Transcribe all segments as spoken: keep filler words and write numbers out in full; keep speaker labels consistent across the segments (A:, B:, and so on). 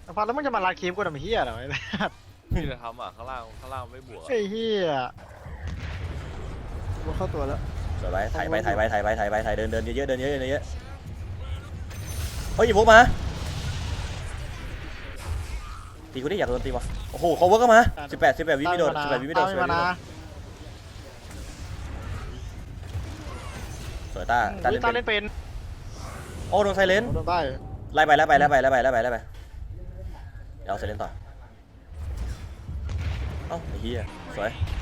A: พัดแล้วมึงจะมาลาคีมกูทำเฮียเหรอไอ้เนี่ย
B: นี่จะทำอ่ะข้างล่างข้างล่างไม่บวก
A: ไอ้เฮีย
C: มันเข้าตัวแล้ว
D: สวยไปถ่ายไปถ่ายไปถ่ายไปถ่ายไปถ่ายเดินเดินเยอะๆเดินเยอะๆเดินเยอะๆเฮ้ยอีพวกมาตีกูได้อยากโดนตีวะโอ้โหเขาเวิร์กก็มาสิบแปดสิบแปดวิไม่โดนสิบแปดวิไม่โดนสิบแปดวิไม่โดนสวยตาตา
A: ตา
D: เล่น
A: เล่นเป็น
D: โอ้โดนไซเลน
A: โดนได้
D: ไล่ไปไล่ไปไล่ไปไล่ไปไล่ไปไล่ไปเดี๋ยวเอาไซเลนต่อเอ้าไอ้เหี้ยสวย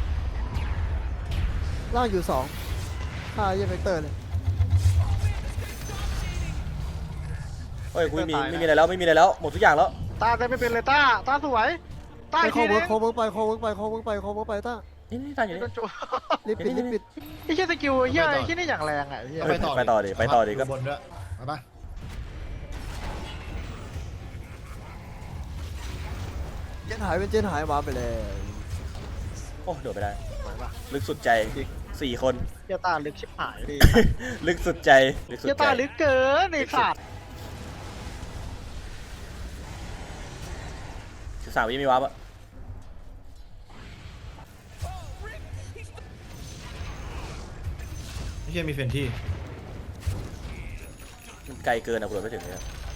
C: ล่างอยู่สองฆ่าเยี่ยเวกเตอร์เลย
D: เฮ้ยกูไม่มีไม่มีอะไรแล้วไม่มีอะไรแล้วหมดทุกอย่างแล้ว
A: ตาเล่นไม่เป็นเลยตาตาสวยตา
C: ไป
A: อีก
C: คอ
A: ที
C: เวิ
A: นึ
C: ร์ก
A: ง
C: คอเวิร์กไปคอเวิร์กไปคอเวิร์กไปคอเวิร์กไปคอเวิร์กไปต้า
D: นี่นี่ตายอยู่
A: โด
D: นี่
A: นจุ
C: รีบปิดรีบปิด
A: ไอ้เฮียสกิลไอ้เฮียไอ้เฮียนี่อย่างแรงอ่ะไอ้เฮีย
D: ไปต่อไปต่อดิไปต่อดิก็
E: บนด้วยไปปะ
C: เจนหายเป็นเจนหายวาร์ปไปเลย
D: โอ้โดดไปได้ลึกสุดใจสี่คน
A: เฮียตาลึกชิบหายดิ
D: ลึกสุดใจลึกสุด
A: เฮีย
D: ใจ
A: ตาลึกเกินไอ้สัตว์
D: สิบสามวิมีวาร์ปอะ
E: ไม่ใช่มีเฟนที่
D: ไกลเกินอะกูโดดไม่ถึงเลย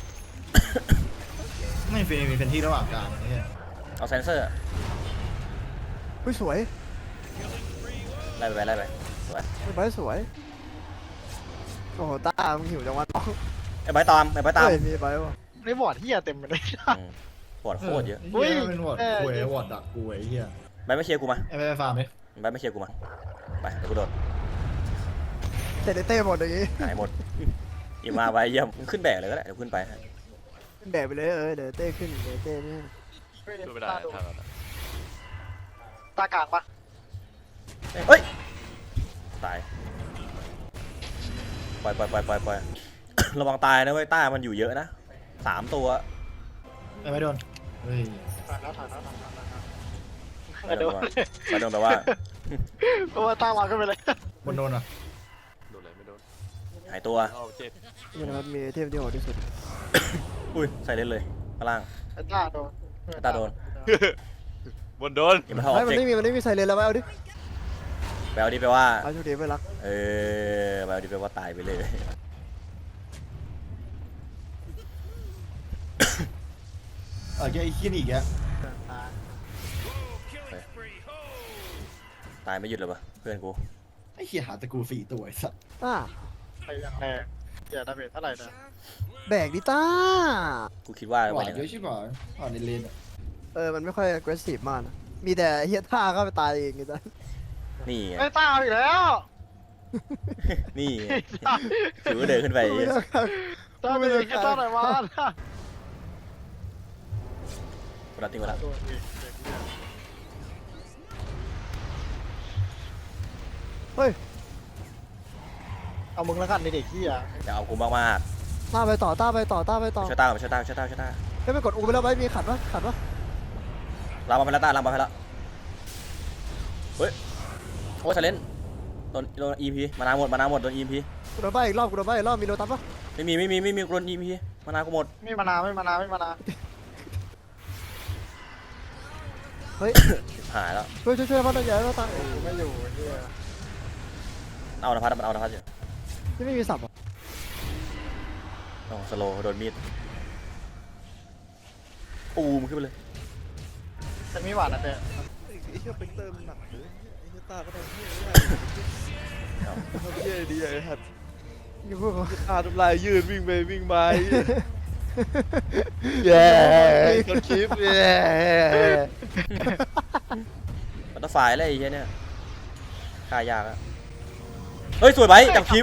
E: ไม่เฟนมีเฟนที่ระหว่างกลางนี่
D: เอาเซนเซอร์
C: อุ้ยสวย
D: ไล่ไปไล่ไปสวย
C: ไอ้ใบสวยโอ้โหต้ามึงหิวจังวะน้อง
D: ไอ้ใบตามไอ้ใบตาม
C: เฮ้ยมีใบวะ
A: ในบอร์ดเฮียเต็มไปเลย
D: อืมปวดโคตรเยอะ
A: อุ้
E: เฮ้
A: ย
E: ยเป็นวอร์ดกูไอ้วอร์ดดักกูไอ้เหี้ย
D: ใบไม่เชียร์กูมา
E: ไอ้ไปฟาร์มไหม
D: ใบไม่เชียร์กูมาไปเดี๋ยวกูโดด
C: เตะเต้หมดอย่างงี้
D: หายหมดอีมาไว้เยี่ยมมึงขึ้นแบกเลยก็ได้เดี๋ยวขึ้นไปให้
C: แบกไปเลยเออเดี๋ยวเต้ขึ้นเดี๋ยวเต้นี่
B: ช่วยไม่ได้ทางนั้น
A: ตากลางปะ
D: เฮ้ยตายปล่อยปล่อยปล่อยปล่อยปล่อย ระวังตายนะเว้ยต้ามันอยู่เยอะนะสามตัว
E: ไอ้ไม่โดนเฮ้ย
A: ถ่ายแล้วถ่ายแล้วถ่ายแล้วถ่ายแล้ว
D: ไปโดนไปโดนแปลว่า
A: เพราะว่าตาวางขึ้นไปเลย
E: บนโดนอ่ะ
B: โดนอะไรไม่โดน
D: หายตัว
B: เอาเจ็บ
C: นี่นะครับมีเทพที่โหดที่สุด
D: อุ้ยใส่เล่นเลยข้างล่าง
A: ไอ้ตาโดน
D: ไอ้ตาโดน
B: บนโดน
D: อย่ามาทำออ
C: ไม่
D: บ
C: มัน
D: เจก
C: ไม่มีมันไม่มีไซเลนแล้วไปเอาดิ
D: แปลว่าดิแปลว่า
C: เอาโชคดีไปรัก
D: เออแปลว่าดิแปลว่าตายไปเลย
E: เออแกไอ้ขี้นี่อีกแก
D: ตายไม่หยุดเลยปะเพื่อนกู
E: ไอ้เหี้ยหาตะกูสี่ตัวไอ้สัส
C: ต้า
A: ไปอย่างแรงเดี๋ยวดาเมจเท่าไหร่นะ
C: แบกดิต้า
D: กูคิดว่า
E: ห
D: วั
E: วาน น
D: นี้
E: เยอะใช่ป่ะอ่อนในเลนอ่ะ
C: เออมันไม่ค่อย aggressive มากนะมีแต่เฮียท่าเข้าไปตายเองไงต้า
D: นี่ไง
A: ไอ้ตาเอาอีกแล้ว
D: นี่ไงถือว่าเดินขึ้นไป
A: ตาเป็นแค่ตาไหนวะ
D: กูรับทิ้งไปแล้ว
C: เฮ้ย
A: เอามึงแล้วกันในเด็กที่อ่ะ
D: จะเอากูมากมาก
C: ต้าไปต่อต้าไปต่อต้าไปต่อ
D: ช่วยต้าช่วยต้าช่วยต้าช่วยต้า
C: เฮ้ยไปกดอูไปแล้วไปมีขัดปะขัดปะ
D: ลามาไปแล้วต้าลามาไปแล้วเฮ้ยโอ้ยเซเลนโดนโดนอีพีมานาหมดมานาหมดโดนอีพี
C: กูโดนใบอีกรอบกูโดนใบอีกรอบมีโลตัสปะ
D: ไม่มีไม่มีไม่มีโดนอีพีมานากูหมด
A: ไม่มานาไม่มานาไม่มานา
C: เฮ้ย
D: หายแล้ว
C: ช่วยช่วยช่วยพัดใหญ่แล้วตา
A: กูไม่อยู่ไอ้เหี้ย
D: เอานภัสมันเอานภัสอยู่
C: ที่ไม่มีสับอ่ะ
D: โอ้สโลโดนมีดปูมขึ้นไปเลย
A: จะมีหวานนะเป๊ะ
F: ไอ้เหี้ยเป็นเติมหนักเลยไอ้เหี้ยตาก็ทำเหี้ยไม่ได้ทำเหี้ยดีไอ้หัด
C: อยู่พวกเขา
F: ตาทำลายยืนวิ่งไปวิ่งมาแย่คนคลิปแย่
D: บัตเตอร์ไฟอะไรไอ้เหี้ยเนี่ยฆ่ายากอะเฮ้ยสวยไหมจับคลิป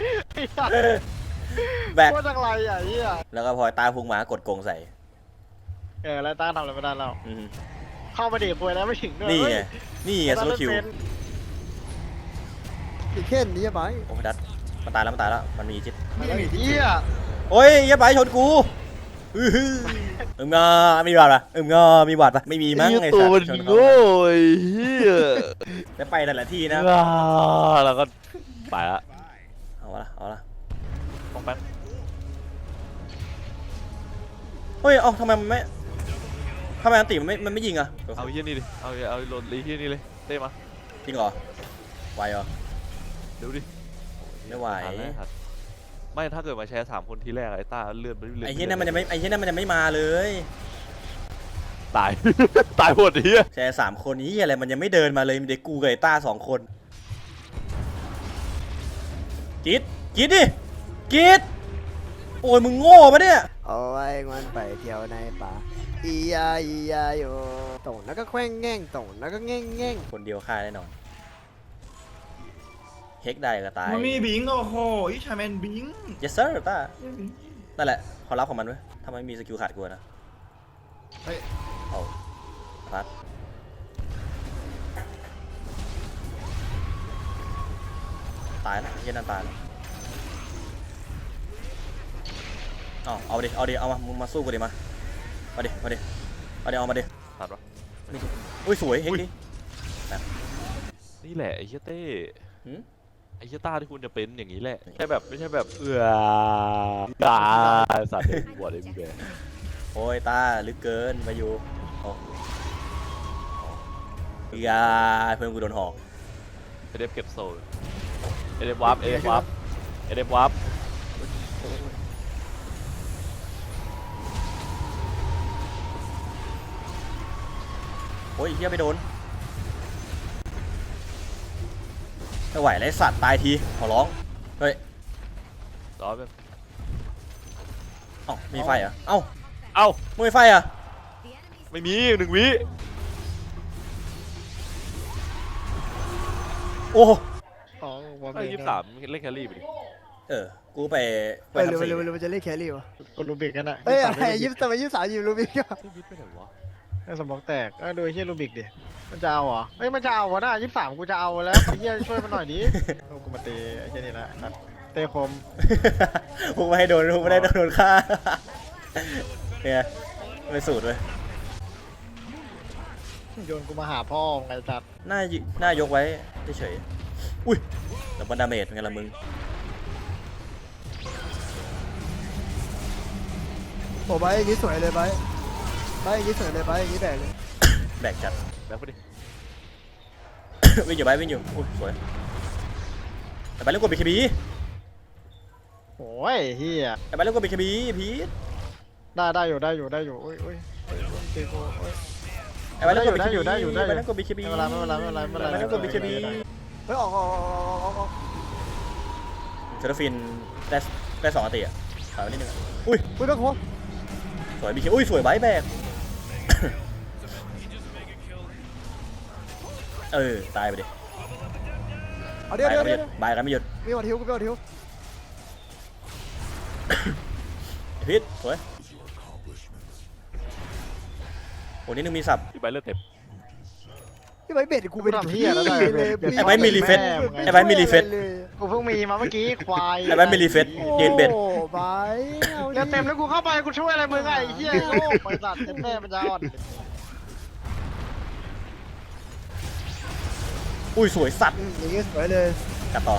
D: แบก
A: โคตรจังไรอ่ะไอ้เหี้ย
D: แล้วก็พอตาพุงหมากดโกงใส่
A: เออแล้วตาทำอะไรไม่ได้แล้ว
D: อืม
A: เข้ามาเด็กป่วยแล้วไม่ถึงด้วย
D: นี่ไงนี่ไงโซโลคิว
C: อีกเข่นนี่ใบ
D: โอ้ยดัดมันตายแล้วมันตายแล้วมันมีจิต
A: นี่มีเหี้ย
D: โอ้ยอย่าไปชนกูอื้อหืออึมงอมีบาดปะอึมงอมีบาดปะไม่มีมั้งไอ้
F: ตั
D: สั
F: ว
D: ต
F: มัน
D: ว์ชนเขา
F: โง่ไอ้เหี้ย
D: จะไปแต่ละที่นะ
B: แล้วก็ไปละ
D: เอาละเอาละ
B: ป้องแป๊บ
D: เฮ้ยเอ้าทำไมมันไม่ทำไมอันติมันไม่มันไม่ยิงอะ
B: เอาเฮี้ยนี่ดิเอาเอาโหลดลีเฮี้ยนี่เลยเต้มา
D: จริงเหรอไหวเหรอ
B: เดี๋ยวดิ
D: ไม่ไหว
B: ทันแล้วทันไม่ถ้าเกิดมาแชร์สามคนทีแรกไอ้ต้าเลื่อนไปเรื่อยๆ
D: ไอ้เหี้ยนั่นมันจะไม่ไอ้เหี้ยนั่นมันจะไม่มาเลย
B: ตาย ตายหมดเฮี้ย
D: แชร์สามคนนี้อะไรมันยังไม่เดินมาเลยมีเด็กกูกับไอ้ต้าสองคนกิดกิดดิกิดโอ้ยมึงโง่ปะเนี่ย
C: เอาไว้มันไปเที่ยวในป่าอียาอียาโยตรงแล้วก็แขว้งแง่งตรงแล้วก็แง่งแง่ง
D: คนเดียวฆ่าแน่นอนเฮกได้ก็ตาย
E: มันมีบิงโอ้โหอีชาแมนบิง
D: yes sir ต้านั่นแหละเขารับของมันไว้ถ้ามันไม่มีสกิลขาดกลัวนะ
E: เฮ้ย
D: เอาพัดตายแล้วเหี้ย็นนั่นตายแล้วเอาเอาดิเอาดิเอามามึงมาสู้กูดิมามาดิมาดิมาดิเอามาดิ
B: ตัดวะ
D: อุ้ยสวยเฮกดิ
B: นี่แหละไอ้เฮี้ยเต้
D: หืม
B: ไอ้เฮี้ยต้าที่คุณจะเป็นอย่างนี้แหละแค่แบบไม่ใช่แบบเอือตาสัตว์เด็กบวชไอ้พี่แบร์
D: โอ้ยตาลึกเกินมาอยู่โอ้ยาเพื่อนกูโดนหอก
B: เอเดฟเก็บโซ่เอเดฟวับเอเดฟวับเอเดฟวับ
D: โอ้ยเฮียไปโดนไม่ไหวเลยสัตว์ตายทีขอร้องเฮ้ย
B: ต่อไป
D: เอ้ามีไฟเหรอเอ้า
B: เอ้า
D: มึงมีไฟเหรอ
B: ไม่มีหนึ่งวิ
D: โอ้
A: ของวอร์ม
B: ไอ้ยี่สิบสามเล่นแครี่ไปดิ
D: เออกูไป
C: เฮ้ย
D: ทำ
C: เร็ว
D: สี
C: เร็วเร็วมันจะเล่นแครี่วะ
A: กดรูบิกกันอะ
C: เฮ้ยอะไรยี่สิบทำไมยี่สิบสามยิงรูบิกอะ
B: ไอ้วิทย์ไปไหนวะ
A: ไอ้สมองแตกก็ดูไอ้เฮียรูบิกดิมันจะเอาเหรอเฮ้ยมันจะเอาวะน่ะยี่สิบสามกูจะเอาแล้วไอ้เฮียช่วยมันหน่อยดิเอากูมาเตะไอ้เฮียนี่ละครับเตะคม
D: พวกไม่ให้โดนพวกไม่ได้โดนฆ่าเนี่ยไม่สูตรเลย
A: โยนกูมาหาพ่อไงจัด
D: หน้ายิหน้ายกไว้เฉยๆอุ้ยแล้วมันดาเมจเป็นไงล่ะมึง
C: โอ้ใบอย่างงี้สวยเลยใบใบอย่างงี้สวยเลยใบอย่างงี้แบกเลย
D: แบกจัด
B: แบ็คไปดิ
D: วิ่งอยู่ไปวิ่งอยู่อุ้ยสวยแต่ไปเล่นกดบีเคบี
A: โอ้ยเฮีย
D: แต่ไปเล่นกดบีเคบีพีท
A: ได้ได้อยู่ได้อยู่ได้อยู่โอ้ยโอ้ยโอ้ยโอ้ยตีกูโอ้ย
D: แต่ไปเล่นกดบี
A: ได้
D: เค
A: อยู่
D: บี
A: ได้อยู่ได้อยู่
D: ไปเล่นกดบีเคบี
A: ไม่เป็นไรไม่เป็นไรไม่เป็นไรไม่เป็นไร
D: ไปเล่นกดบีเคบี
C: เฮ้ยออกออกออกออกออก
D: เซอร์ฟินได้ได้สองอันติอ่ะถอยไปนิดนึงอะอุ้ย
C: อุ้ยแม่โค
D: สวยบีเคอุ้ยสวยไบแบก เออตายไปดิ
C: เอาเดี๋ยวเดี๋ยว
D: บาย
C: เดี๋ยว
D: กันไม่หยุดบายกันไม่หยุด
C: มีวัดทิวกูมีวัดทิว
D: ไอ้พิษสวยโอ้นี่นึงมีสับ
B: พี่ใบเลือดเต็ม
C: พี่ใบเบ็ดกูเป็น
A: ทำเฮียแล้วได้
C: เลย
D: ไอ้ไบมีรีเฟซไอ้ไบมีรีเฟซ
A: กูเพิ่งมีมาเมื่อกี้ควาย
D: ไอ้ไบมีรีเฟซยืนเบ็ด
C: โอ้ใบเอา
A: เต็มเต็มแล้วกูเข้าไปกูช่วยอะไรมึงไงไอ้เฮียโลกบริษัทเต็มแม่มันจะอ่อน
D: อุ้ยสวยสัตว์
C: อย่างงี้สวยเลย
D: กัดต่อ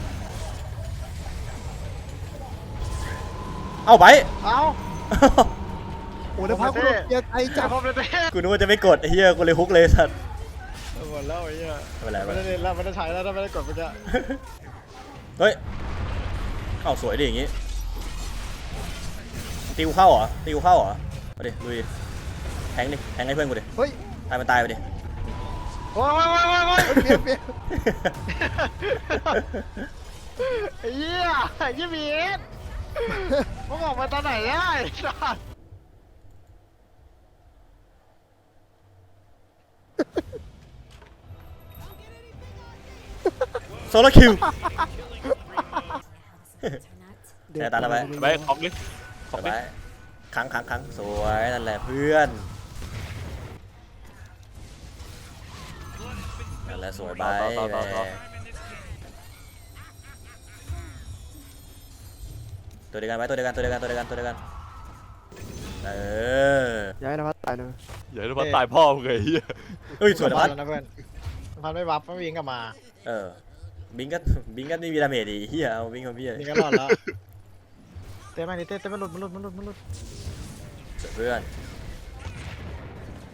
D: เอ้าไบ
A: เอ้า
C: โอ้แล้วพักกูโดนเกียร์ไอ
A: จั
C: จั
A: บบ ครบเลยเต้
D: กูนึกว่าจะไม่กดไอ้เหี้ยกูเลยฮุกเลยสัตว์
A: หมดแล้วไอ้เฮีย
D: ไม่เป็นไรไม่
A: ไม่
D: เป็นไร
A: ได้เล่นแล้วไม่ได้ใช้แล้วถ้าไม่ได้กดเมื่อกี้
D: เฮ้ยเอ้าสวยดิอย่างงี้ตีกูเข้าเหรอตีกูเข้าเหรอมาดิลุยแทงดิแทงให้เพื่อนกูดิ
C: เฮ้ย
D: ตายมันตายไปดิ
A: โอ้ยโอ้ยโอ้ยโอ้ยโอ้ย
C: เปลี่ยนเปลี่ยน
A: ไอ้เหี้ยไอ้เหี้ยบีเอสมึงออกมาตอนไหนได้สัส
D: โซโลคิว แต่ตาละไป
B: ใบของดิของดิ
D: ไปครั้งครั้งครั้งสวยนั่นแหละเพื่อนนั่นแหละสวยไปตัวเดียวกันไปตัวเดียวกันตัวเดียวกันตัวเดียวกันตัวเดียวกันเออ
C: ย้ายนะพัดตายนะ
B: อย่าให้มันตายพ่อมึงไงเฮีย
D: เฮ้ยสวยนะพัด
A: แล้วนะเพื่อนพัดไม่บัฟไม่วิ่งกลับมา
D: เออบิงก็บิงก็ไม่มีดาเมจดีเฮียเอาบิงของพี่
A: นี่ก็รอดแล้วเต้มาดิเต้เต้มันหลุดมันหลุดมันหลุดมันหลุด
D: เพื่อน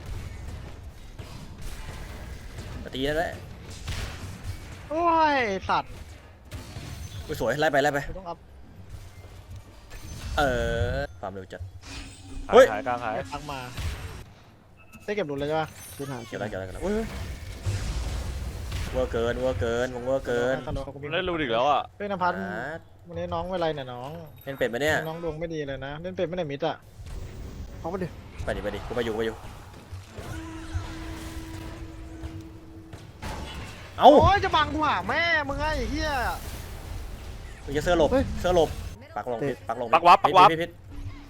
D: ตีได้แล้ว
A: โอ้ยสัตว์
D: อุ้ยสวยไล่ไปไล่ไป
A: กูต้องอัพ
D: เออความเร็วจัด เฮ้ย
B: ขายกลางขาย
A: ทักมาได้เก็บหลุดเลยใช่ปะ
C: ชุดหา
D: เกี่ยวอะไรเกี่ยวอะไรกันนะอุ้ยเวอร์เกินเวอร์เกินวงเวอร์เกิน
A: ตลกกูมี
B: เล่นรูอีกแล้วอ่ะ
A: เฮ้ยนภัส
D: อ่า
A: วันนี้น้องเป็นไรเนี่ยน้อง
D: เล่นเป็ดไหมเนี่ย
A: น้องดวงไม่ดีเลยนะเล่นเป็นไม่ได้มิดอ่ะ
C: เขามาดิ
D: ไปดิไปดิกูไปอยู่กูไปอยู่เอ้า
A: โอ้ยจะบังกูหาแม่มึงไงไอ้เหี้ย
D: มึงจะเสื้อหลบเสื้อหลบปักลงพิษปักลงพิษ
B: ปักวับปักวับ
D: พิษพิษพิษ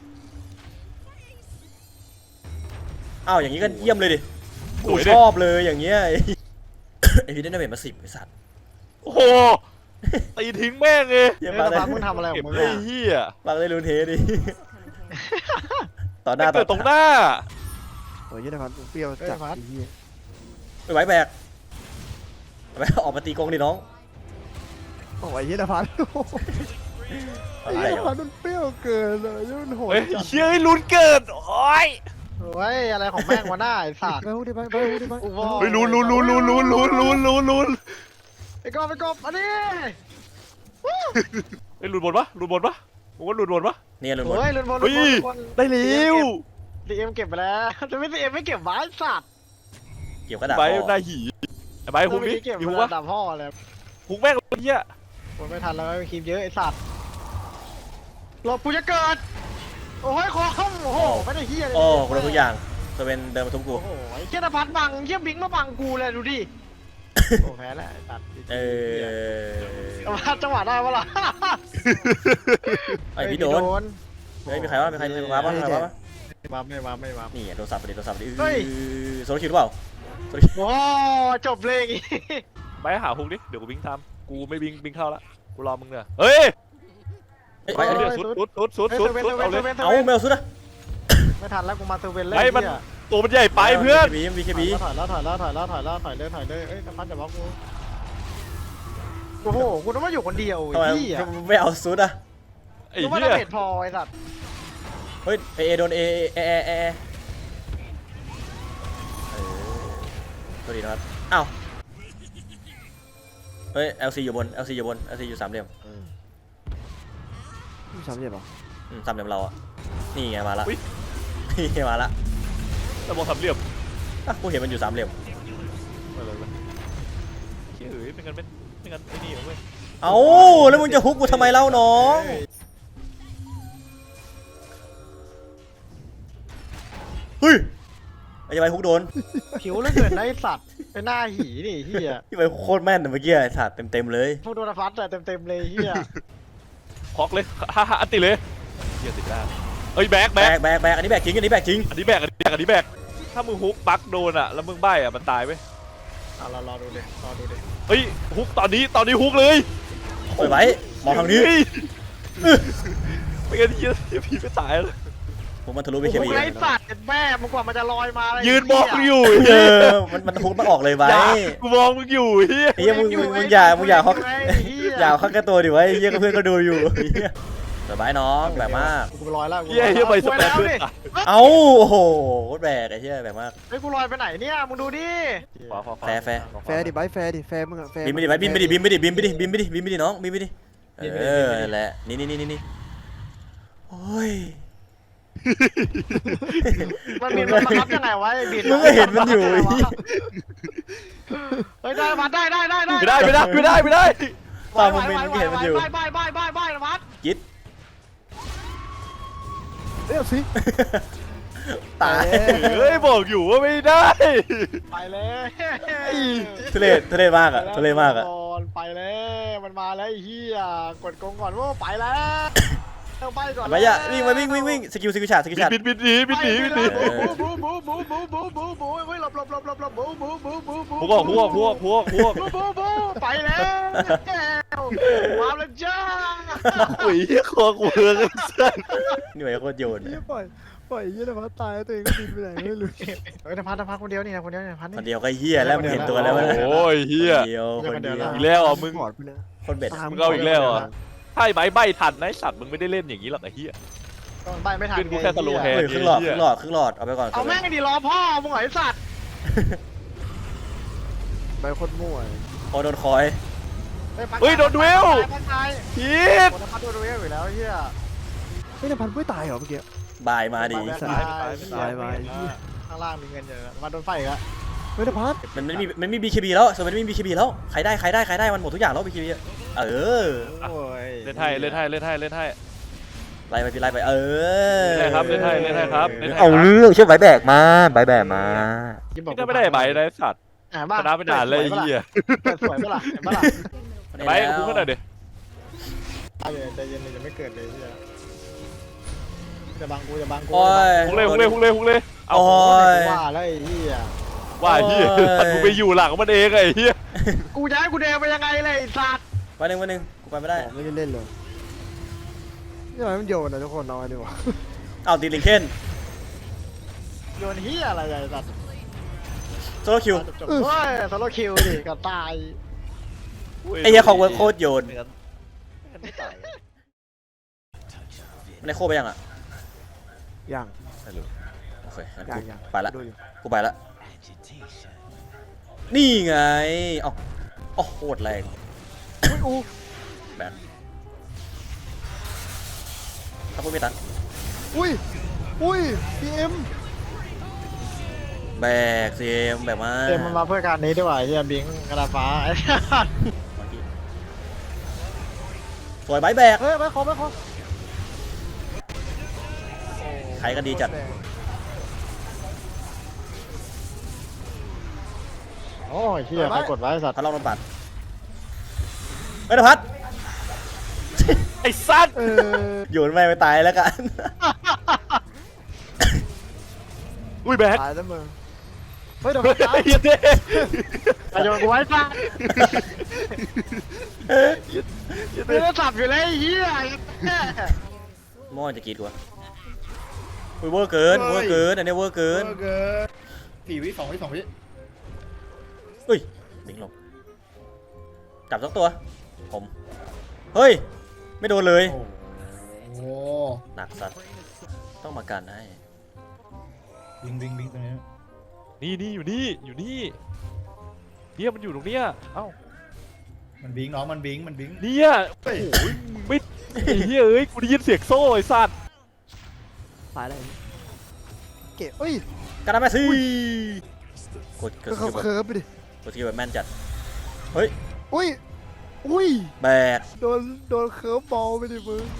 D: อ้าวอย่างนี้ก็เยี่ยมเลยดิกูชอบเลยอย่างเงี้ยไอ้ไอ้พี่ได้ดาเมจมาสิบไอ้สัตว์
B: โอ้โหตีทิ้งแม่งเลย
D: เยี่ยม
A: เฮ้ย
D: มาก
A: น
D: เลย
A: ภัสมึงทำอะไรขอ
B: เก็บ
A: งมึง
B: ไอ้
A: อ่ะ
B: เหี้ย
D: ปักเลยรูนเทดิต่อหน้า
B: ไม่เกิดตรงหน้า
C: โอ้ยยี่นภัสเปรี้ยวจัดไอ้เหี้ย
D: ไม่ไหวแบกไปออกมาตีกงดิน้อง
C: โอ้ยยี่นภัสไอ้
D: อะไร
C: ยี่นภั
D: วะ
C: สมันเปรี้ยวเกินเลยมันโหด
B: เฮ้ย
C: จัด
B: เฮ้ยลุ้นเกิดโอ้ย
A: เฮ้ยอะไรของแม่งวะหน้าไอ้สัตว์
C: ไปหูดิไปไปหูดิไป
A: อุโมงค์
B: เฮ้ยลุ้นลุ้นลุ้นลุ้นลุ้นลุ้นลุ้นลุ้นลุ้น
A: ไอ้กบไอ้กบอันนี้
B: เฮ้ยลุ้นบนปะลุ้นบนปะผมว่าลุ้นบนปะ
D: เนี่ยลุนหมด
A: เฮ้ยลุนบอล
B: เฮ้
A: ลุน
B: ย
A: บอล
B: ได้เร็ว
A: ดีเอ็มเก็บไปแล้วจะไม่ดีเอ็มไม่เก็บไว้สัตว์
D: เกี่ยวกระดาษ
B: ใบ
D: คอ
B: ได้หีไอ้ใบฮุกดิ
A: เก็บ
B: มี
A: ไป
B: ฮุก
A: แล้ว
B: ปะ
A: ดับพ่อเลย
B: ฮุกแม่งเหี้ย
A: คนไม่ทันแล้วไม่คีบเยอะไอ้สัตว์หลบกูจะเกิดโอ้ยคอมโอ้โหไม่ได้เฮียเลย
D: โอ้กูรู้ทุกอย่างจะเป็นเดินมาทุบกู
A: โอ้โหไอ้เจ้าพัดบังเชี่ยบิงมาบังกูเลยดูดิโอ้แพ้แล้วไอ้สัตว์
D: เออ
A: พัดจังหวะได้ปะล่ะ
D: ไอพี่โดนเฮ้ยมีใครวะมีใครมีใครมาบ้างใครมาบ้าง
A: ไม่มาไม่มาไม่มา
D: นี่โดนสับไปดิโดนสับไปดิ
A: เฮ้ย
D: โซโลคิวหรือเปล่าโซโลคิว
A: โอ้จบเลยอย่างงี้
B: ใบหาฮุกดิเดี๋ยวกูบิงทำกูไม่บิงบิงเข้าละกูรอมึงเนี่ยเฮ้ย
D: ไปอันนี้
B: สุดสุดสุดสุด
A: เฮ้ย
B: สุด
A: เซเว่น
B: สุด
A: เซ
B: เอา
A: เว่น
B: เล
A: เซ
B: ย
A: เว่นเซ
D: เอา
A: เว่น
D: แมวสุดอะ
A: ไม่ทันแล้วกูมาเซเว่นเลย
B: ไอ้มันตัวมันใหญ่ไปเพื่อน
D: บีบีเคบี
A: ถอยแล้วถอยแล้วถอยแล้วถอยแล้วถอยเลยถอยเลยเอ้ยพัดจะบล็อกกูโอ้โหกูต้องมาอยู่คนเดียว
D: ทำไม
A: ไอ้เหี้ย
D: ไม่เอาสุดอะ
B: ไอ้
A: กูว่า
B: เหี้
A: ดาย เมจพอไอ้สัตว์
D: เฮ้ยเอโดนเอเอเอเอเอตัวดีนะครับอ้าวเฮ้ย แอล ซี อยู่บน แอล ซี อยู่บน แอล ซี อยู่สามเหลี่ยม
C: สามเหลี่ยมเหรอ
D: อืมสามเหลี่ยมเราอะนี่ไงมาละนี่ไงมาละ
B: แต่บอกสามเหลี่ยม
D: อ่ะกูเห็นมันอยู่สามเหลี่ยม
B: อะไรวะเฮ้ยเอ้ยเป็นกันเป็นเป็นกันไอ้นี่เหรอเว้ย
D: เอ้าแล้วมึงจะฮุกกูทำไมเล่าน้องเฮ้ยไอ้จะไปฮุกโดน
A: ผิวเหลือเกินนะไอ้สัตว์เป็นหน้าหีนี่เหี้ย
D: ที่ไปโคตรแม่นอะเมื่อกี้ไอ้สัตว์เต็มๆเลย
A: พวกโดนฟัดแต่เต็มๆเลยเหี้ย
B: ฮอกเลยฮ่าฮ่าอันติเลยเหี้ยติดได้เอ้ยแบก
D: แบ
B: แบก
D: กแบกแบกอันนี้แบกจริงอันนี้แบกจริง
B: อันนี้แบกอันนี้แบกอันนี้แบกถ้ามึงฮุกบักโดนอ่ะแล้วมึงใบ้อ่ะมันตายเว้ย
A: เอาเรารอดูดิรอดูดิ
B: เฮ้ยฮุกตอนนี้ตอนนี้ฮุกเลย
D: ปล่อยไว้มองทางนี้
B: เฮ้ยไม่งั้นเหี้ยเหี้ยผีไม่ตายเลย
D: ผมมันทะลุไป
A: โอ้
D: เค
A: โห
D: บี
A: ไอ้สัตว์แม่มึงกว่ามันจะลอยมาเลย
B: ยืนมองมึงอยู่
D: เอ
B: เหี้ย
D: อมันมันฮุกมันออกเลยไว้
B: อย่ากูมองมึงอยู่เหี้ย
D: ไอ้เหี้ยมึงมึงมึงอย่ามึงอย่าฮอกอย่าฮอกแค่ตัวดิไว้ไอ้เหี้ยก็เพื่อนก็ดูอยู่ไอ้เหี้ยสบายน้องแบบมาก
A: กูลอยแล้วกู
B: เหี้ยเหี้ยไปส
A: กู
B: เป
A: ล
B: ร
A: อย
B: ย์
A: แล้ว
B: เพื่อน
A: ดิ
B: ตาย
D: เอ้าโอ้โหโคตรแบกไอ้เหี้ยแบบมาก
A: เฮ้ยกูลอยไปไหนเนี่ยมึงดูดิ
B: ขวาขวาขวา
D: แฟร์แฟร์
C: แฟร์ดิไบแฟร์ดิแฟร์มึงอะแฟร์
D: บินไปดิไว้บินไปดิบินไปดิบินไปดิบินไปดิบินไปดิน้องบินไปดิเออนั่นแหละนี่นี่นี่นี่นี่โอ้ย
A: มันมีมันบังคับยังไงวะไอ้บิด
D: มึงก็เห็นมันอยู่
A: เฮ้ยได้มาได้ได้ได้ได้
B: ไม่ได้ไม่ได้ไม่ได้ไม่ได้
D: ตามมึงเป็นเห็นมันอยู่
A: บายบายบายบายบายนะพัด
D: ยิด
C: เอ้ยสิ
D: ตาย
B: เฮ้ยบอกอยู่ว่าไม่ได้
A: ไปเลย
D: ทุเรศทุเรศมากอะทุเรศมากอะ
A: ไปเลยมันมาแล้วไอ้เหี้ยกดกงก่อนว่าไปแล้วไปก่อน
D: ไปอ่ะวิ่งไปวิ่งวิ่งวิ่งสกิลสกิลฉาดสกิลฉาด
B: บิดบิดหนีบิดหนีบิดหนี
A: บูบูบูบูบูบูบูบูเฮ้ยหลบหลบหลบหลบหลบบูบูบูบูบู
B: พวกพวกพวกพวกพวก
A: บูบูบูไปแล้วว้าวแล้วจ้า
B: โอ้ยคอกูเฮือกสัส
D: นี่ไปโคตรโยน
C: ยี่ปล่อยปล่อยยี่นภัสตายตัวเองก็บินไปไหนไม่รู้
A: เฮ้ยนภัสนภัสคนเดียวนี่นะคนเดียวนี่นภัส
D: คน
A: นี่
D: เดียวก็เหี้ยแล้วมึงเห็นตัวแล้วมัน
B: โอ้ยเฮีย
D: คนเดียวคนเดียว
B: อีกแล้วอ่ะมึง
C: ถอดไปเลย
D: คนเบ็ด
B: มึงเอาอีกแล้วอ่ะถ้าไอ้ใบใบทันนะไอ้สัตว์มึงไม่ได้เล่นอย่างนี้หรอกไอ้เฮีย
A: ต้องใบไม่ทัน
B: ขึ้นกูแค่สโลว์แฮ
D: เฮ้ยครึ่งหลอดครึ่งหลอดครึ่งหลอดเอาไปก่อน
A: เอาแม่งดีรอพ่อมึงเหรอไอ้สัตว์
C: ใบโคตรมั่ว
D: โอ้โดนคอย
B: เฮ้ยโดนดูเอล
A: พันตาย
B: พีท
A: โดนพันโดนดูเอลอยู่แล้วเฮีย
C: เฮ้ยนภัสไม่ตายเหรอเมื่อกี้
D: บายมาดี
A: ตายตายตายตายข้างล่างมีเงินเยอะมาโดนไฟอีกแล้ว
C: เฮ้ยนภัส
D: มันไม่มีมันไม่มี บี เค บี แล้วส่วนมันไม่มี บี เค บี แล้วใครได้ใครได้ใครได้มันหมดทุกอย่างแล้ว บี เค บี เออ
A: โอ้ย
B: เล่นให้เล่นให้เล่นให้เล่นให้
D: ไล่ไปพี่ไล่ไปเออ
B: เล่นให้ครับเล่นให้เล่นให้ครับเล่นให้
D: เอาเรื่องช่วยใบแบกมาใบแบกมา
A: ยิ้มบอก
B: นี่ไม่ได้ใบนะไอ้สัตว์
A: อ่ะบ้า
B: ชนะไปนานเลยไอ้เหี้ย
A: เกิดสวยปะล่ะเห็นปะล่ะ
B: ใบกูก็หน่อยดิ
A: ใจเย็นใจเย็นเลยจะไม่เกิดเลยเฮียจะบังกูจะบังกู
D: โอ้ย
B: ฮุกเลยฮุกเลยฮุกเลยฮุกเลยเอา
D: โอ้ย
A: ว่าแล้วไอ้เฮีย
B: ว่าเหี้ย
D: โอ้ย
B: สัตว์กูไปอยู่หลังมันเองไอ้เหี้ย
A: กูจะให้กูเดินไปยังไงเลยไอ้สัตว์
D: วันหนึ่งวันหนึ่งกูไปไม่ได้
C: ไม่ได้เล่นเลยนี่ทำไมมันโยนอะทุกคนน้อยดีวะ
D: เอาตีลิงเคน
A: โยนเฮียอะไรไอ้สัตว์
D: โซโลคิว
A: จบๆเฮ้ยโซโลคิวดิก็ตาย
D: ไอ้เหี้ยของเวิร์คโคตรโยน
F: ไม่งั้นไม่งั้นไม่ตายอะ
D: มันได้โคไปยังอ่ะ
C: ยัง
D: ไม่รู้โอเคงั้น
C: ยัง
D: กู
C: ยัง
D: ไปละ
C: ดูอยู่
D: กูไปละนี่ไงเอ้าโอ้โหโคตรแรง
C: อุ้ยอู
D: แบนถ้าพูดไม่ตัน
C: อุ้ยอุ้ยพีเอ็ม
D: แบกเซมแบกมา
A: เต็มมันมาเพื่อการนี้ด้วยว่ะเฮียบิงกระดาษฟ้าไอ้สัตว์
D: สวยใบแบก
C: เฮ้ยไปขอไปขอ
D: ใครก็ดีจัด
A: โอ้ยเฮียใครกดไว้ไอ้สัตว์
D: พระรองโดนปัดเฮ้ยนภัส
B: ไอ้สัตว์
C: เออ
D: โยนแม่งไปตายแล้วกัน
B: อุ้ยแบก
C: ตายแล้วมึงเฮ้ยเดี๋ยว
B: เฮ้
C: มันตาย
B: ยเหี้ยเด้
A: ไอ้โยนกูไว้สัตว์ไม่ได้สับอยู่เลยไอ้เฮีย
D: มอจะกรีดกูวะอุ้ยเวอร์เกินเวอร์เกินอันนี้เวอร์เกิน
E: เออเกินสี่วิสองวิสองวิ
D: อุ้ยบิงลงจับสักตัวผมเฮ้ยไม่โดนเลย
E: โอ้โห
D: หนักสัตว์ต้องมากันให้
E: บิงบิงบิงตรงนี้
B: นี่นี่อยู่นี่อยู่นี่เฮียมันอยู่ตรงเนี้ยเอ้า
E: มันบิงน้องมันบิงมันบิง
B: เนี่ยโอ้โหมึงไม่ไอ้เฮียเอ้ยกูได้ยินเสียงโซ่ไอ้สัตว์
C: ตายแล้วเก๋เอ้ย
D: กันนะแม่ซี่กดก
C: ก็
D: ด
C: เขา
D: สกิลแบบ
C: เคิร์ฟไปดิ
D: กดสกิลแบบแม่นจัดเฮ้ย
C: อุ้ยอุ้ย
D: แบก
C: โดนโดนเคิร์ฟบอลไปดิมึง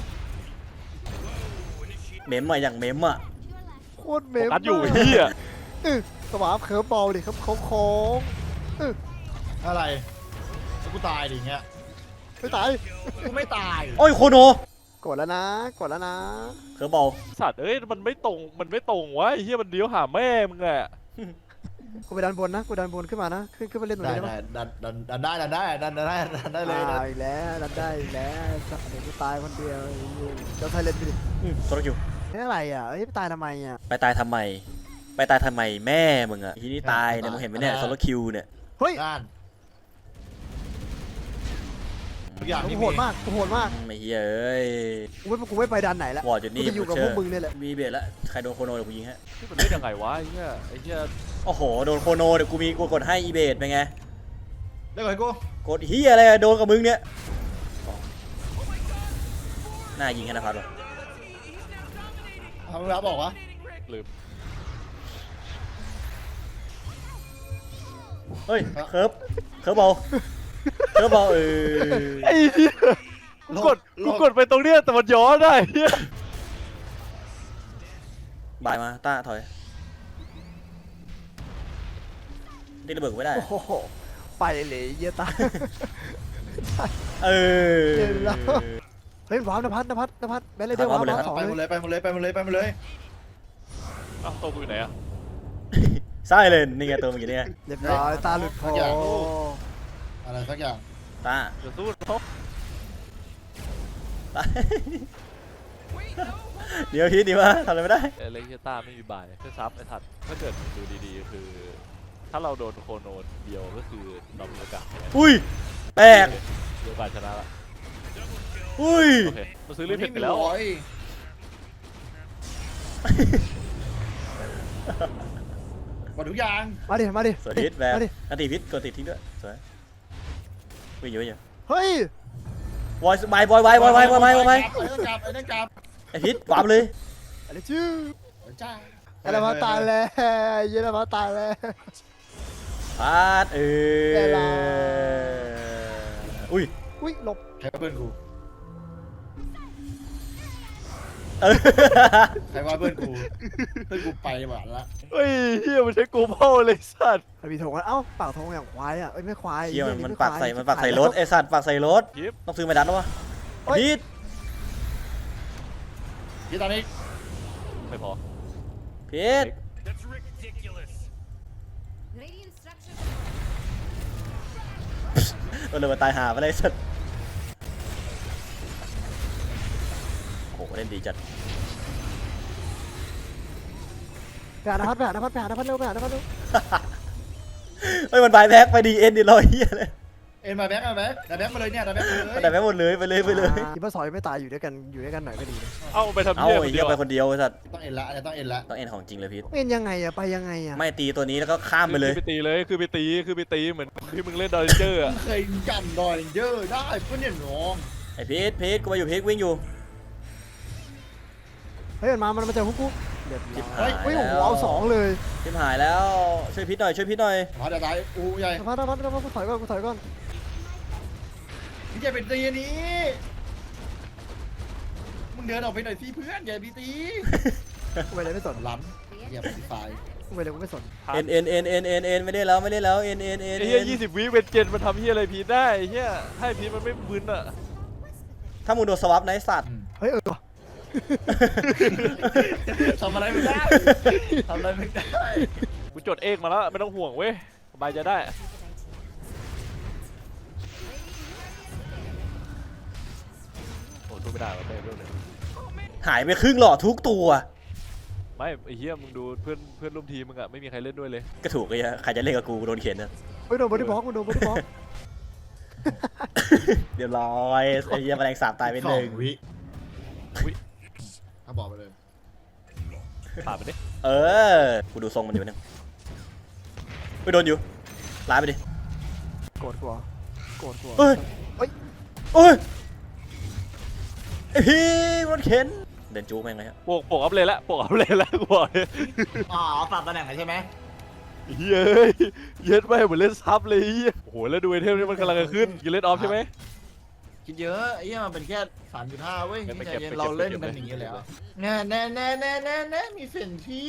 D: เมมมาอย่างเมมอ่ะ
C: โคตรเม
B: โฟ
C: ม
B: กัสอยู่
C: มาก
B: เฮีย
C: เออสวาปเคิร์ฟบอลดิครับโค้งโค้งเออ
E: อะไรกูตายดิเงี้ย
C: ไม่ตาย
E: กูไม่ตาย
D: โอ้ยโคโน
C: กดแล้วนะกดแล้วนะ
D: เคิร์ฟบอล
B: สัตว์เอ้ยมันไม่ตรงมันไม่ตรงวะไอ้เฮียมันเลี้ยวหาแม่มึงอะ
C: กูไปดันบนนะกูดันบนขึ้นมานะขึ้นขึ้นมาเล่นตรง
E: ได้
C: นี้ได้
E: ได้
C: ปะ
E: ดันดันดันได้ดันได้ดันได้ดันได้เลย
C: อ่าอีกแล้วดันได้อีกแล้วสัตว์เดี๋ยวกูตายคนเดียวเจ้าไทยเล่นไปดิ
D: อืมโซโลคิว
C: นี่อะไรอ่ะเอ้ยไปตายทำไมอ่ะ
D: ไปตายทำไม ไปตายทำไมแม่มึงอะทีนี้ตายเนี่ยมึงเห็นไหมเนี่ยโซโลคิวเนี่ย
C: เฮ้ย
E: ด้านทุกอย่าง
C: กู
E: ที่
C: โห
E: มี
C: ดมากกูโหดมาก
D: ไม่เฮ้ยเอ้ย
C: กูไม่กูไม่ไปดันไหนแล้ว
D: วอร์ดอยู่นี่
C: กูจะอยู่กับพวกมึงเนี่ยแหละ
D: มีเบสแล้วใครโดนโคโนเดี๋ยวกูยิงฮะ
B: นี่มันเล่นยังไงวะไอ้เฮียไอ้เฮีย
D: โอ้โหโดนโคโนเดี๋ยวกูมีกูกดให้อีเบสเป็นไง
E: เลิกเลยกู
D: กดเฮียอะไรอะโดนกับมึงเนี่ยน่ายิงให้นะพัดวะ
E: ทำรับบอกวะ
B: ลืม
D: เฮ้ยเคิร์ฟเคิร์ฟบอลเคิร์ฟบอลเออ
B: ไอ้เฮียกูกดกูกดไปตรงเนี้ยแต่มันย้อนได้เฮีย
D: บายมาต้าถอยตีระเบิดกูไม่ได้
C: โอ้โหไปเลยเยี่ยตาย
D: เออ
C: เย็นแล้ว เฮ้ยว้าวนภัสนภัสนภัสแบนเลยเดียวว้าวว้าวสอง
E: ไปหมด
C: เลย
E: เลยไปหมดเลยไปหมดเลยไปหมดเลย
B: อ้าวตัวกูอยู่ไหนอะ
D: ไส้เลยนี่ไงตัวมึงอยู่เนี่ย
C: เรียบร้อยตาหลุดคอ
E: อะไรสักอย่าง
D: ตา
B: เดี๋ยวสู้เขา
D: ตาเดี๋ยวคิดดีว่าทำอะไรไม่ได้
B: ไอ้เล็กเฮียต้าไม่มีบายเพื่อซับไอ้ถัดถ้าเกิดดูดีๆคือ ถ้าเราโดนโคโนนเดียวก็คือเรามีโอกาสแพ้
D: อุ้ยแตก
B: มีโอกาสชนะละ
D: อุ้ย
B: โอเคเราซื้อรีบเพชรไปแล้ว
E: หมดทุกอย่าง
C: มาดิมาดิ
D: สวัสดีแบ
C: มาดิ
D: นตีพิษกดติดทิ้งด้วยสวยวิ่งอยู่วิ่งอยู่
C: เฮ้ย
D: วอยบายบอยบายบอยบายบอยบายบอยบาย
E: ไอ้นั่นกลับไอ้นั่นกลับ
D: ไอพิษวาร์ปเลย
C: อะไรชื่อ
E: จ้า
C: ไอ้ละมาตายแล้วเยอะละมาตายแล้ว
D: พาดเอ
C: ได้
D: อ
C: ละ
D: อุ้ย
C: อุ้ยหลบ
E: ใครว่าเพื่อนกู
D: เออ
E: ใครว่าเพื่อนกูเพื่อนกูไปหวานละ
B: เฮ้ยเฮียมันใช้กูเผาเลยสัตว์
C: มันมีธงกันเอ้าปากธงอย่างควายอ่ะเอ้ยไม่ควาย
D: เฮียมัน
C: หี้
D: มัน
C: ไ
D: ปากใส่
C: ควาย
D: มันปากใส่รถไอสัตว์ปากใส่รถ
B: ยิบ
D: ต้องซื้อมาดันแล้ววะพิษ
E: พี่ตอนนี้
B: ไม่พอ
D: พิษ
G: Radiant structure
D: มันเลยมาตายหาไปเลยสัตว์โอ้โหเล่นดีจัด
C: ไปหานภัทรไปหานภัทรไปหานภัทรเร็วไปหานภัทรเร็ว
D: เฮ้ยมันบายแบ็กไปดีเอ็นดิลอยเฮียเลย
E: เอ็นมาแบ็กมาแบ็กมาแบ็กมาเลยเนี่ยมาแบ็กมาเลย
D: มันได้แบ็กหมดเลยไปเลยไปเลย
C: คิดว่าซอยไม่ตายอยู่ด้วยกันอยู่ด้วยกันหน่อยก็ดีนะ
B: เอ้าไปทำ
D: เอ้า
B: เฮียคน
D: ไอ้เฮี
B: เดี
D: ย
B: ยว
D: ไปคนเดียวไอ้สัตว์
E: ต้องเอ็นละอันนี้ต้องเอ็นละ
D: ต้องเอ็นของจริงเลยพิษ
C: เป็นยังไงอะไปยังไงอะ
D: ไม่ตีตัวนี้แล้วก็ข้ามไปเลย
B: คือไปตีเลยคือไปตีคือไปตีเหมือนที่มึงเล่นดอร์เจอร์อะ
E: เคยจำดอยเยอะได้เพื่อนเนี่ยน้อง
D: ไอพีทพีทกูมาอยู่พีทวิ่งอยู่
C: เฮ้ยมันมามันมาเจอพวกกูเรียบร้อย
D: เฮ้ย
C: เฮ้ยโอ้โหเอาสองเลย
D: ทิมหายแล้วช่วยพีทหน่อยช่วยพีทหน่อย
E: มาเดี๋ยวตายอูใหญ่
C: นภัทรนภัทรนภัทรกูถอยก่อนกูถอยก่อน
E: พี่ใหญ่เป็นตีนี้มึงเดินออกไปหน่อยสิเพื่อนใหญ่พี่ตี
C: กูไปเลยไม่สน
E: ล้ำอย่าไปไฟ
C: กูไปเลยกูไม่สน
D: เอ็นเอ็นเอ็นเอ็นเอ็นเอ็นไม่ได้แล้วไม่ได้แล้วเอ็นเอ็นเอ็น
B: ไอ้เฮียยี่สิบวิเป็นเจนมันทำเฮียอะไรพีทได้ไอ้เฮียให้พีทมันไม่บึนอะ
D: ถ้ามึงโดนสวับนะไอ้สัตว์
C: เฮ้ยเออว่ะ
E: ทำอะไรไม่ได้ทำอะไรไม่ได้
B: กูจดเอกมาแล้วไม่ต้องห่วงเว้ยสบายใจได้โอ้สู้ไม่ได้หรอกเต้เรื่องเลย
D: หายไปครึ่งหลอดทุกตัว
B: ไม่ไอ้เฮียมึงดูเพื่อนเพื่อนร่วมทีมมึงอะไม่มีใครเล่นด้วยเลย
D: ก็ถูกไอ้เหี้ยใครจะเล่นกับกูโดนเข็นนะ
C: เฮ้ยโดนบอดี้บล็อกมันโดนบอดี้บล็อก
D: เดี๋ยวร้อยไอ้เหี้ยแมลงสาบตายไปหนึ่ง
E: วิถ้าบอกไปเลย
B: ปาดไปดิ
D: เออกูดูทรงมันอยู่นึงไปโดนอยู่ร้ายไปดิ
C: โกรธกูเหรอโกรธกูเหรอ
D: เฮ้ย
C: เฮ้ย
D: โอ้ยไอพี่รถเข็นเดินจู๊แม่งเลยฮะ
B: โปกโปกอัพเลยละโปกอัพเลยละกูบอกเลย
E: อ๋อปรับตำแหน่งใช่ไหม
B: เย้ยเย็ดไปเหมือนเล่นซับเลยเหี้ยโอ้โหแล้วดูไอเทมนี่มันกำลังจะขึ้นกินเล่นออฟใช่ไหม
E: คิดเยอะไอ้เหี้ยมันเป็นแค่สามจุดห้าเว้ย
B: งั้นไป
E: ใจ
B: เก็บ
E: เย็น
B: ไปเก็บ
E: เราเล่น
B: ไปเก็บ
E: กันอย่างนี้แล้วแน่แน่แน่แน่แน่แน่มีเฟนที่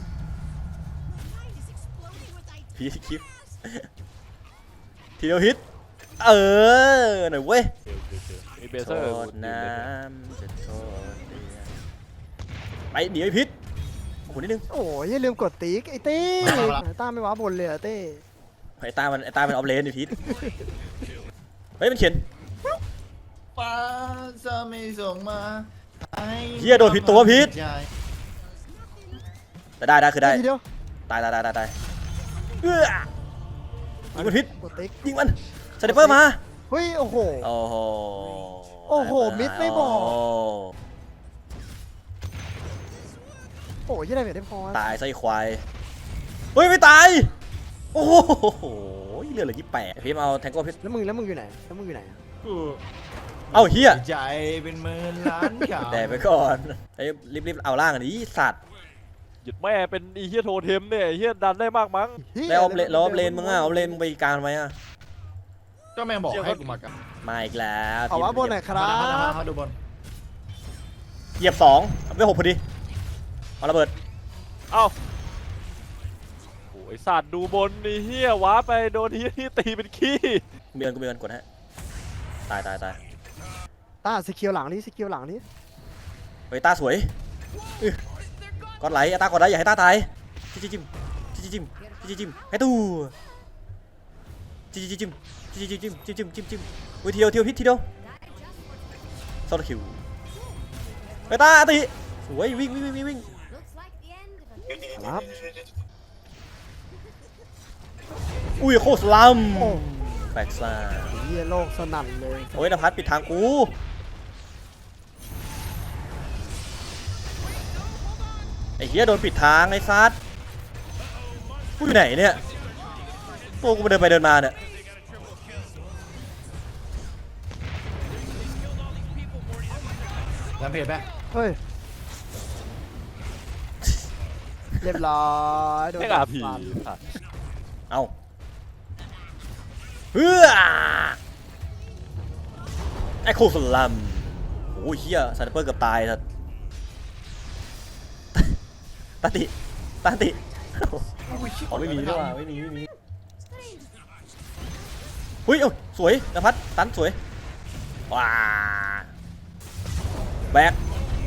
D: พี่คลิปทีเดียวฮิตเออหน่อยเว้ย
B: มีเบ
D: โท
B: เซอร์
D: ษน้ำจะโทษเดือนไปเดี๋ยวไอพิษโอ้โหนิดนึง
C: โอ้ยอย่าลืมกดติ๊กไอ้เต้ต้าไม่ว้าบนเลยอะเต้
D: ไอ้ตามันไอ้ตามันออฟเลนไอพิษเฮ้ยมันเขียน
E: ฟ้าจะไม่ส่งมาให้
D: เหี้ยโดนผิดตัวผิด
E: ใจ
D: แต่ได้ได้คือได้
C: ทีเดียว
D: ตายตายตายตายตายเอื้อยิงมันพิษ
C: กดติ๊ก
D: ยิงมันสไนเปอร์มา
C: เฮ้ยโอ้โห
D: โอ้โห
C: โอ้โหมิดไม่บอก
D: โ
C: โอ้ยยี่อะไรไม่ได้พอ
D: ตายไส้ควายเฮ้ยไม่ตายโอ้โหเลือดเหลือยี่แปดพี่มาเอาแทงโก้พิษ
C: แล้วมึงแล้วมึงอยู่ไหนแล้วมึงอยู่ไหนอะ
E: กู
D: เอ้าเฮีย
E: ใจเป็นหมื่นล้านขาว
D: แต่ไปก่อนไอ้รีบรีบเอาล่างอันนี้สัตว์
B: หยุดแม่เป็นอีเฮียโทเทมเนี่ยไอ้เฮียดันได้มากมั้ง
C: หี้ย
D: แล้วเอาเลนแล้วเอาเลนมึงอ่ะเอาเลนมึงไปกลางทำไมอ่ะ
E: ก็แม่งบอกให้กูมากัน
D: มาอีกแล้ว
C: เอาว่าบนไหนครั
E: มามามา
C: บ
E: มาดูบน
D: เหยียบสองไม่หกพอดีเอาระเบิด
B: เอ้าโอ้ยสัตว์ดูบนไอ้เฮียว้าไปโดนเฮียที่ตีเป็นขี้
D: มีเงินกูมีเงินกดฮะตายตายตาย
C: ต้าสกิลหลังนี้สกิลหลังนี้
D: เฮ้ยตาสวยอื้อก้อนไหลตากดไหลอย่าให้ตาตายจิ้มจิ้มจิ้มจิ้มจิ้มจิ้มให้ตู้จิ้มจิ้มจิ้มจิ้มจิ้มจิ้มจิ้มจิ้มจิ้มเฮ้ยเทียวเทียวพิษทีเดียวโซลคิวเฮ้ยตาตีสวยวิ่งวิ่งวิ่งวิ่ง
G: looks like the end of a
C: ครับ
D: อุ้ยโคตรลัม
C: โอ้
D: แบกซ่า
C: เฮียโลกสนั่นเลย
D: โอ้ยนภัสปิดทางกูไอ้เหี้ยโดนปิดทางไอ้ซัดกูอยู่ไหนเนี่ยตัวกูเดินไปเดินมาเนี่ย
E: ลำเพจไหม
C: เฮ้ยเรียบร้อยโดน
B: ไม่กล้าผี
C: ฟัน
D: เอาเฮ้อไอ้โคสลัมโอ้ยเฮียสไนเปอร์เกือบตายสัสตาติตาติอ๋อไม่มีด้วยว่ะไม่มีไม่มีเฮ้ยเอ้าสวยนภัสตันสวยว้าแบก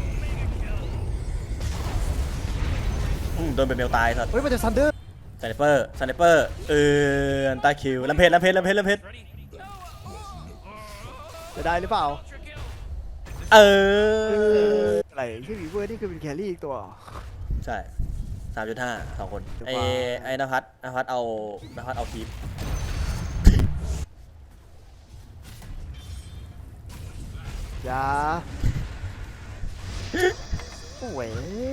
D: อืมโดนเป็นเมลตายสัส
C: เฮ้ยมันจะซันเดอร์
D: สไนเปอร์สไนเปอร์เอออันตาคิวลำเพจลำเพจลำเพจลำเพจ
C: จะได้หรือเปล่า
D: เออ
C: อะไรที่วีเวอร์นี่คือเป็นแครี่อีกตัว
D: ใช่สามจุดห้าสองคน
C: เดี๋ยว
D: ไอ้
C: ว่า
D: ไอ้นภัสนภัสเอานภัสเอาคีป
C: อย่าโอ้ย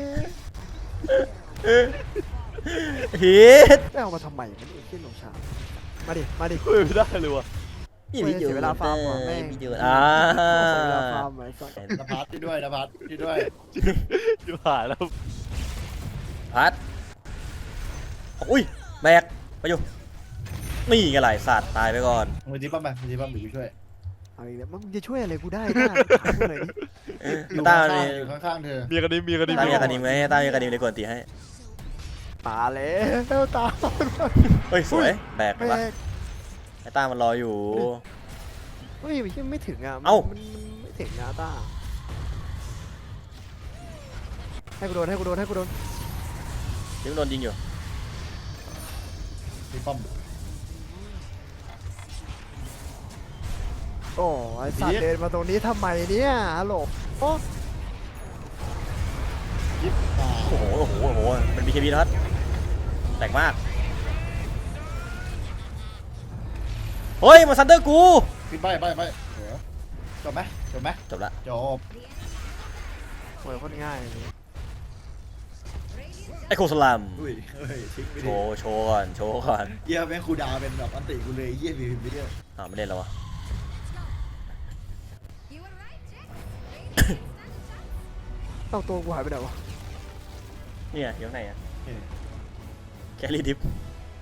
D: ฮิต
C: ไม่เอามาทำไมมันเอ็นเล่นลงชามาดิมาดิ
B: เฮ้ยไม่ได้เลยว่ะ
C: เว้ยเสียเวลาฟาร์มว่ะแม่ง
D: วิดีโออ่า
C: เสียเวลาฟาร์มไอ้สัส
E: นภัสที่ด้วยนภัสที่ด้วย
B: ชิบหายแล้ว
D: พัดอุ้ยแบกไปอยู่นี่ไงไรสัตว์ตายไปก่อน
E: มือจีปั๊มไปมือจีปั๊มอยู่ช่วย
C: เอาอีกแล้วมึงจะช่วยอะไรกูได้ได้ถามกูหน่อยดิ
E: อยู่
D: ต้า
E: ข้าง
D: มี
E: ๆอยู่ข้างๆเธอ
B: มีกันดิมีกันดิ
D: ต้ามีกระดิ่งไหมต้ามีกระดิ่งในกวนตีให้
C: มาแล้วตาม
D: เฮ้ยสวยแบก
C: แม่
D: ปะ
C: ง
D: ไอ้ต้ามันรออยู่
C: เฮ้ยมันไม่ถึงอ่ะมัน
D: เอ้า
C: มันมันไม่ถึงนะต้าให้กูโดนให้กูโดนให้กูโดน
D: ยังโดนยิงอยู่
E: จีปั๊ม
C: โอ้ไอสัตว์เดินมาตรงนี้ทำไมเนี่ยฮัลโหลโอ้
E: ยิบตา
D: โอ้โหโอ้โหโอ้โหมันมีเคบีนะครับแตกมากเฮ้ยมาซันเดอร์กู
E: ปิดใบใบใบเดี๋ยวจบไหมจบไหม
D: จบละ
E: จบ
C: โหโคตรง่ายเลย
D: ไอ้โคสลัม
E: อุ้ยเฮ้ยทิ้งไป
D: โช
E: ดิ
D: ว์โชว์ก่อนโชว์ก่อน
E: เยี่ยแม่งคูดาวเป็นแบบอันติกูเลยเยี่ยมีวิดีโอ
D: อ้าวไม่เล่นแล้ววะ
G: You were right, Jack. Radiant stand
C: เอ้าตัวกูหายไปไหนวะ
D: เนี่ยอยู่ข้างในอ่ะแคลรี่ดิฟ